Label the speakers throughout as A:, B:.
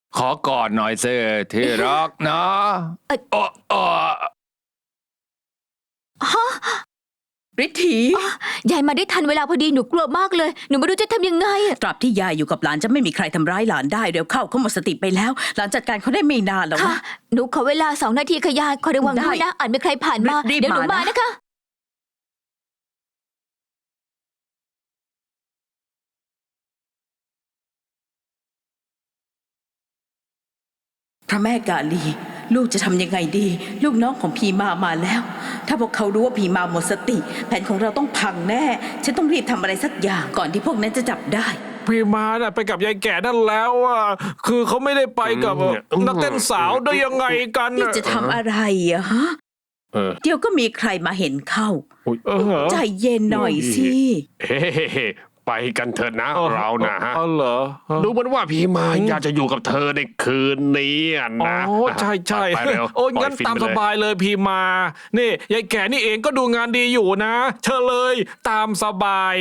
A: ขอกอดหน่อยสิที่รักนะเออเออ
B: ฤทธี
C: ยายมาได้ทันเวลาพอดีหนูกลัวมากเลยหนูไม่รู้จะทำยังไงอะ
B: ตราบที่ยายอยู่กับหลานจะไม่มีใครทำร้ายหลานได้เร็วเข้าเขาหมดสติไปแล้วหลานจัดการเขาได้ไม่นานหรอก
C: ค่ะ
B: นะ
C: หนูขอเวลา2 นาทีค่ะยายขอระวัง
B: ได้
C: ด้วยนะอาจมีใครผ่านมา
B: รีบ
C: เดี๋ยวหนู
B: มา
C: มา
B: นะ
C: นะคะ
B: พระแม่กาลีลูกจะทำยังไงดี ลูกน้องของพีมาแล้ว ถ้าพวกเขารู้ว่าพีมาหมดสติ แผนของเราต้องพังแน่ฉันต้องรีบทำอะไรสักอย่างก่อนที่พวกนั้นจะจับได้
D: พี่มาน่ะไปกับยายแก่นั่นแล้วอ่ะคือเขาไม่ได้ไปกับนักเต้นสาวได้ยังไงกัน
B: นี่
D: น่ะ
B: จะทำอะไรอะฮะ
A: เออ
B: เดี๋ยวก็มีใครมาเห็นเข้า
D: เออ
B: ใจเย็นหน่อยสิ
E: เฮ้ไปกันเถอะนะเรานะฮะ
D: อ๋อเหรอ
E: ดูเหมือนว่าพี่มาอยากจะอยู่กับเธอในคืนนี้อะ
D: อ๋อ
E: นะ
D: ใช่ใช่
E: ไปเร็ว
D: โอ้ย
E: ปล่
D: งั้น
E: ฟิ
D: ตาม
E: ไป
D: ส
E: เลย
D: บายเลยพี่มา นี่ยายแก่นี่เองก็ดูงานดีอยู่นะ เชิญเลยตามสบาย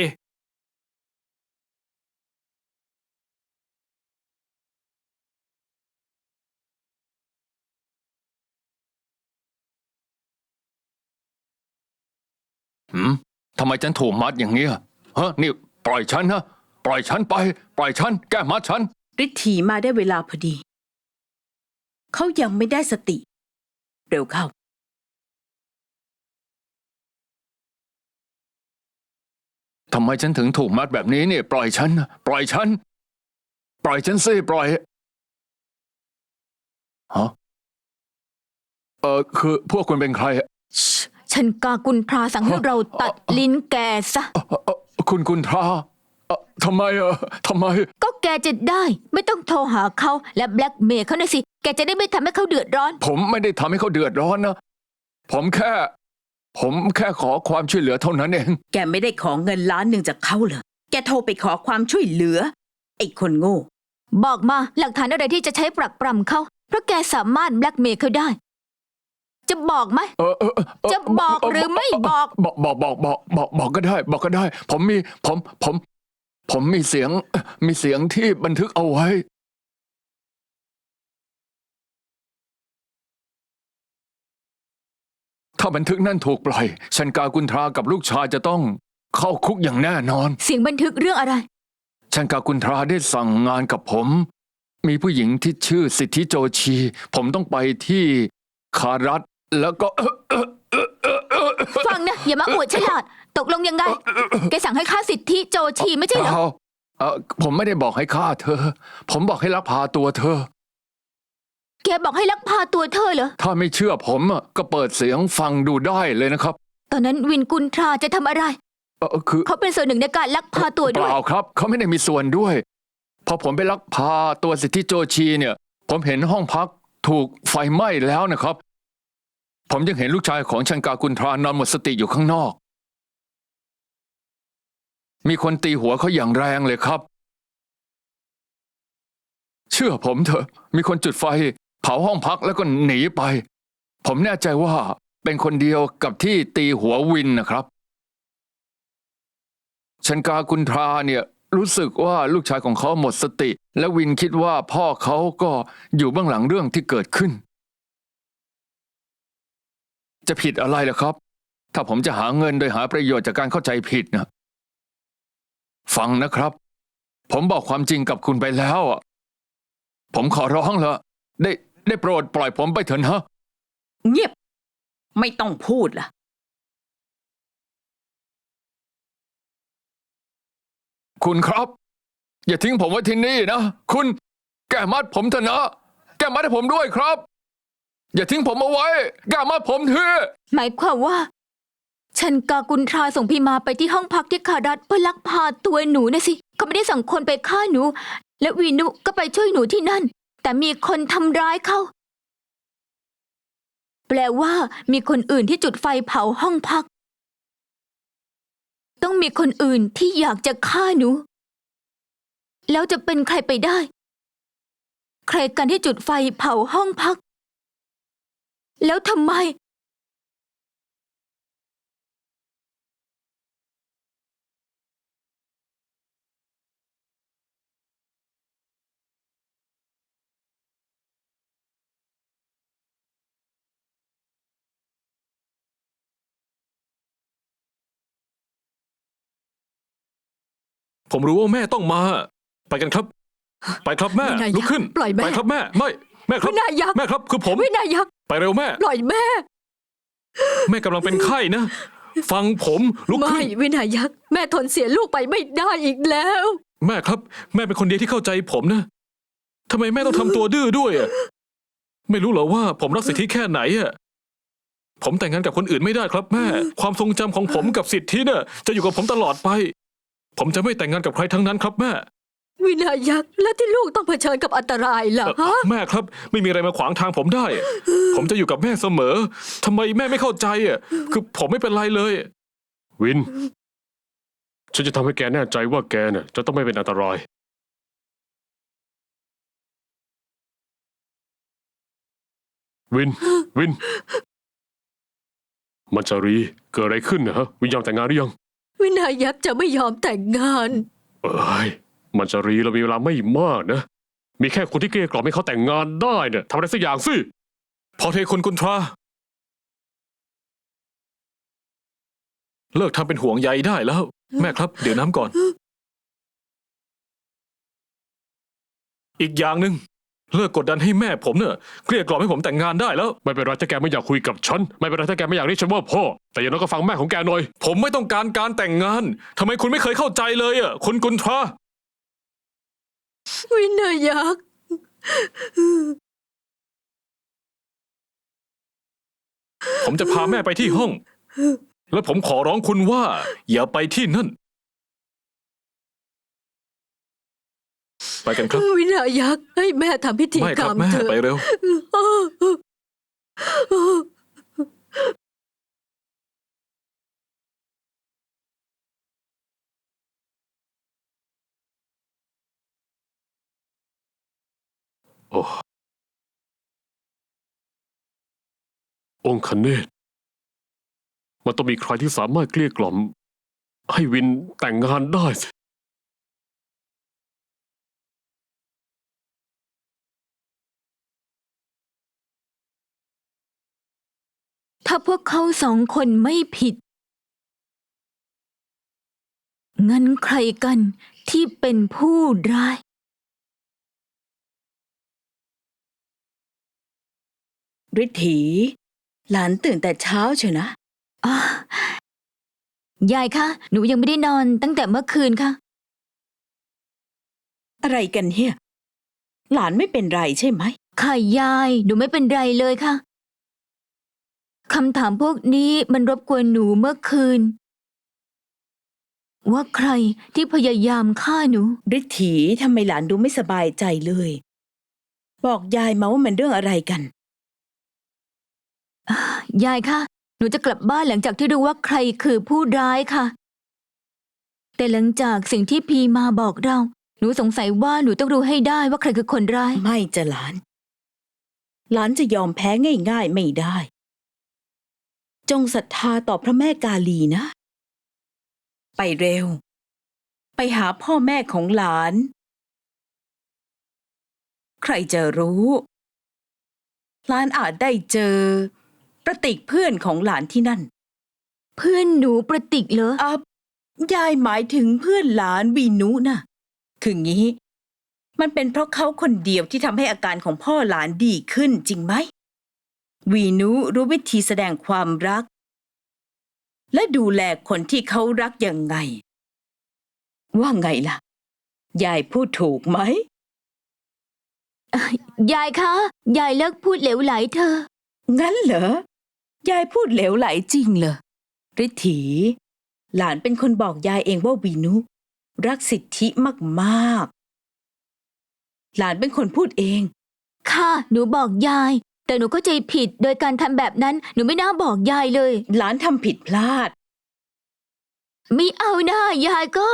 A: ทำไมฉันถูกมัดอย่างเงี้ยฮะนี่ปล่อยฉันนะปล่อยฉันไป ปล่อยฉันแก้มัดฉัน
B: ฤทธีมาได้เวลาพอดี เขายังไม่ได้สติ เร็วเข้า
A: ทำไมฉันถึงถูกมัดแบบนี้เนี่ยปล่อยฉันนะปล่อยฉัน ปล่อยฉันสิปล่อยฮะคือพวกคุณเป็นใครอะ
C: ฉันกากุนทราสั่งให้เราตัดลิ้นแกซะ
A: คุณกุนทราทำไมทำไม
C: ก็แกจะได้ไม่ต้องโทรหาเขาและแบล็กเมย์เขานะสิแกจะได้ไม่ทำให้เขาเดือดร้อน
A: ผมไม่ได้ทำให้เขาเดือดร้อนนะผมแค่ขอความช่วยเหลือเท่านั้นเอง
B: แกไม่ได้ขอเงิน1,000,000จากเขาเหรอ แกโทรไปขอความช่วยเหลือ ไอ้คนโง่
C: บอกมาหลักฐานอะไรที่จะใช้ปรักปรำเขาเพราะแกสามารถแบล็กเมย์เขาได้ จะบอกไหม จะบอกหรือไม่บอก
A: บอกก็ได้ บอกก็ได้ ผมมีเสียงที่บันทึกเอาไว้ ถ้าบันทึกนั่นถูกปล่อยชันกากุนทรากับลูกชายจะต้องเข้าคุกอย่างแน่นอน
C: เสียงบันทึกเรื่องอะไร
A: ชันกากุนทราได้สั่งงานกับผม มีผู้หญิงที่ชื่อสิทธิโจชี ผมต้องไปที่คารัตแล้วก็
C: ฟังนะอย่ามาอวดฉลาด ตกลงยังไง แกสั่งให้ฆ่าสิทธิโจชีไม่ใช่เหรอ
A: ผมไม่ได้บอกให้ฆ่าเธอ ผมบอกให้ลักพาตัวเธอ
C: แกบอกให้ลักพาตัวเธอเหรอ
A: ถ้าไม่เชื่อผมก็เปิดเสียงฟังดูได้เลยนะครับ
C: ตอนนั้นวินกุนทราจะทำอะไร
A: คือ
C: เขาเป็นส่วนหนึ่งในการลักพาตัว
A: เป
C: ด้วย
A: ล่าครับ เขาไม่ได้มีส่วนด้วย พอผมไปลักพาตัวสิทธิโจชีเนี่ย ผมเห็นห้องพักถูกไฟไหม้แล้วนะครับ ผมยังเห็นลูกชายของชันกากุนทรานอนหมดสติอยู่ข้างนอก มีคนตีหัวเขาอย่างแรงเลยครับ เชื่อผมเถอะ มีคนจุดไฟเผาห้องพักแล้วก็หนีไป ผมแน่ใจว่าเป็นคนเดียวกับที่ตีหัววินนะครับ ชันกากุนทราเนี่ยรู้สึกว่าลูกชายของเขาหมดสติ และวินคิดว่าพ่อเขาก็อยู่เบื้องหลังเรื่องที่เกิดขึ้น จะผิดอะไรล่ะครับ ถ้าผมจะหาเงินโดยหาประโยชน์จากการเข้าใจผิดนะฟังนะครับ ผมบอกความจริงกับคุณไปแล้วอะผมขอร้องละได้โปรดปล่อยผมไปเถอะนะ
B: เงียบ ไม่ต้องพูดล่ะ
A: คุณครับ อย่าทิ้งผมไว้ที่นี่นะคุณแก้มัดผมเถอะนะแก้มัดให้ผมด้วยครับ อย่าทิ้งผมเอาไว้แก้มัดผมเถอะ
C: หมายความว่า ฉันกากุนทราส่งพี่มาไปที่ห้องพักที่คารัตเพื่อลักพาตัวหนูนะสิ เขาไม่ได้สั่งคนไปฆ่าหนู และวีนุก็ไปช่วยหนูที่นั่น แต่มีคนทำร้ายเขา แปลว่ามีคนอื่นที่จุดไฟเผาห้องพัก ต้องมีคนอื่นที่อยากจะฆ่าหนู แล้วจะเป็นใครไปได้ ใครกันที่จุดไฟเผาห้องพัก แล้วทำไม
D: ผมรู้ว่าแม่ต้องมา ไปกันครับ ไปครับแม่
C: วินัย
D: ลุกขึ้น
C: ปล่อยแม่
D: ไปครับแม่ไม่แม่ครับ
C: วินัยยักษ์
D: แม่ครับคือผม
C: วินายักษ์
D: ไปเร็วแม่
C: ปล่อยแม่
D: แม่กำลังเป็นไข้นะ ฟังผมลุก
C: ไม่
D: ขึ้น
C: วินายักษ์แม่ทนเสียลูกไปไม่ได้อีกแล้ว
D: แม่ครับ แม่เป็นคนเดียวที่เข้าใจผมนะทำไมแม่ต้องทำตัวดื้อด้วยอะไม่รู้เหรอว่าผมรักสิทธิแค่ไหนอะผมแต่งงานกับคนอื่นไม่ได้ครับแม่ ความทรงจำของผมกับสิทธิเนี่ยจะอยู่กับผมตลอดไป ผมจะไม่แต่งงานกับใครทั้งนั้นครับแม่
C: วินายักษ์และที่ลูกต้องเผชิญกับอันตรายล่ะฮะ
D: แม่ครับ ไม่มีอะไรมาขวางทางผมได้ ผมจะอยู่กับแม่เสมอทำไมแม่ไม่เข้าใจอ่ะคือผมไม่เป็นไรเลย
E: วิน ฉันจะทำให้แกแน่ใจว่าแกเนี่ยจะต้องไม่เป็นอันตราย วิน วิน มัญชารีเกิดอะไรขึ้นนะฮะ วินยอมแต่งงานหรือยัง
C: วินายักษ์จะไม่ยอมแต่งงาน
E: เอ้ย มัญชารีเรามีเวลาไม่มากนะ มีแค่คนที่เกลี้ยกล่อมให้เขาแต่งงานได้เนี่ยทำอะไรสักอย่างสิ
D: พอเทคุณกุนทราเลิกทำเป็นห่วงใยได้แล้ว แม่ครับเดี๋ยวน้ำก่อน อีกอย่างหนึ่งเลิกกดดันให้แม่ผมเนี่ยเกลี้ยกล่อมให้ผมแต่งงานได้แล้ว
E: ไม่เป็นไรถ้าแกไม่อยากคุยกับฉัน ไม่เป็นไรถ้าแกไม่อยากเรียกฉันว่าพ่อ แต่อย่างน้อยก็ฟังแม่ของแกหน่อย
D: ผมไม่ต้องการการแต่งงานทำไมคุณไม่เคยเข้าใจเลยอ่ะคุณกุนทรา
C: วินายักษ์
D: ผมจะพาแม่ไปที่ห้อง แล้วผมขอร้องคุณว่า อย่าไปที่นั่น ไปกันครับ
C: วินายักษ์ให้แม่ทำพิธี
D: ไม่
C: ก
D: ค
C: ร
D: รั
C: ร
D: บ
C: ม
D: แม่
C: เถอะ
D: ไปเร็ว
E: โอ้องค์คเนศมันต้องมีใครที่สามารถเกลี้ยกล่อม ให้วินแต่งงานได้สิ
C: ถ้าพวกเขาสองคนไม่ผิด งั้นใครกันที่เป็นผู้ร้าย
B: ฤทธีหลานตื่นแต่เช้าเชียวนะ
C: อ่ะยายคะ หนูยังไม่ได้นอนตั้งแต่เมื่อคืนค่ะ
B: อะไรกันเนี่ยหลานไม่เป็นไรใช่ไหม
C: ค่ะยาย หนูไม่เป็นไรเลยค่ะ คำถามพวกนี้มันรบกวนหนูเมื่อคืน ว่าใครที่พยายามฆ่าหนู
B: ฤทธีทำไมหลานดูไม่สบายใจเลย บอกยายมาว่ามันเรื่องอะไรกัน
C: ยายคะ หนูจะกลับบ้านหลังจากที่รู้ว่าใครคือผู้ร้ายค่ะ แต่หลังจากสิ่งที่พีมาบอกเรา หนูสงสัยว่าหนูต้องรู้ให้ได้ว่าใครคือคนร้าย
B: ไม่จะหลาน หลานจะยอมแพ้ง่ายๆไม่ได้ จงศรัทธาต่อพระแม่กาลีนะ ไปเร็ว ไปหาพ่อแม่ของหลาน ใครจะรู้ หลานอาจได้เจอ ประติกเพื่อนของหลานที่นั่น
C: เพื่อนหนูประติกเหรอ
B: ยายหมายถึงเพื่อนหลานวีนุนะคืองี้ มันเป็นเพราะเขาคนเดียวที่ทำให้อาการของพ่อหลานดีขึ้นจริงไหม วีนุรู้วิธีแสดงความรัก และดูแลคนที่เขารักยังไง ว่าไงล่ะ ยายพูดถูกไหม
C: ยายคะ ยายเลิกพูดเหลวไหลเธอะ
B: งั้นเหรอ ยายพูดเหลวไหลจริงเหรอฤทธีหลานเป็นคนบอกยายเองว่าวีนุรักสิทธิมากๆ หลานเป็นคนพูดเอง
C: ค่ะ หนูบอกยาย แต่หนูเข้าใจผิดโดยการทำแบบนั้น หนูไม่น่าบอกยายเลย
B: หลานทำผิดพลาด
C: ไม่เอาหน้ายายก็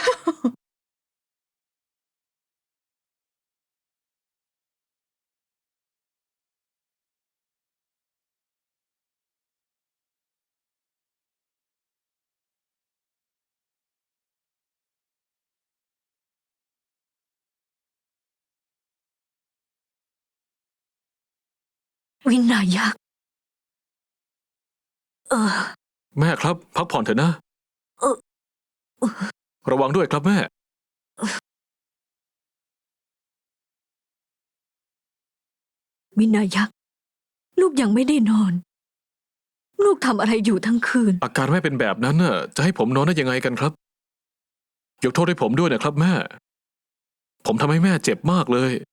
C: วินายักษ์
D: แม่ครับ พักผ่อนเถอะนะ
C: เออ
D: ระวังด้วยครับแม่
F: วินายักษ์ลูกยังไม่ได้นอน ลูกทำอะไรอยู่ทั้งคืน
D: อาการแม่เป็นแบบนั้นน่ะ จะให้ผมนอนได้ยังไงกันครับ ยกโทษให้ผมด้วยนะครับแม่ ผมทำให้แม่เจ็บมากเลย